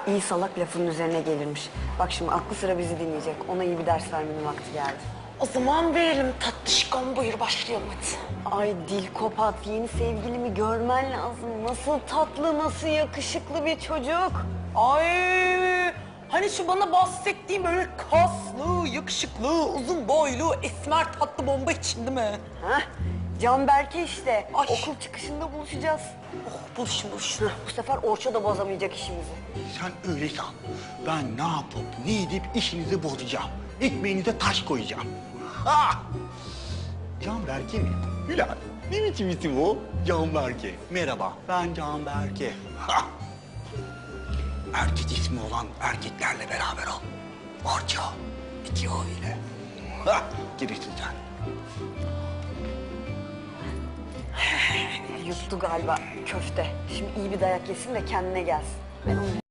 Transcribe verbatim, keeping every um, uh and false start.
İyi salak lafının üzerine gelirmiş. Bak şimdi aklı sıra bizi dinleyecek. Ona iyi bir ders vermenin vakti geldi. O zaman verelim tatlışkom, buyur başlayalım hadi. Ay dil kopat, yeni sevgilimi görmen lazım. Nasıl tatlı, nasıl yakışıklı bir çocuk. Ay hani şu bana bahsettiğim böyle kaslı, yakışıklı, uzun boylu, esmer tatlı bomba için değil mi? Hah, Canberke işte. Ay. Okul çıkışında buluşacağız. Oh buluşun buluşun. Bu sefer Orço da bozamayacak işimizi. Sen öyle san. Ben ne yapıp ne edip işinizi bozacağım. Ekmeğinize taş koyacağım. Ha! Canberke mi? Bilal, ne biçim isim o? Canberke. Merhaba, ben Canberke. Ha! Erkek ismi olan erkeklerle beraber ol. Orço. İki o ile. Ha! Girişsin sen. Yuttu galiba köfte. Şimdi iyi bir dayak yesin de kendine gelsin. Ben onu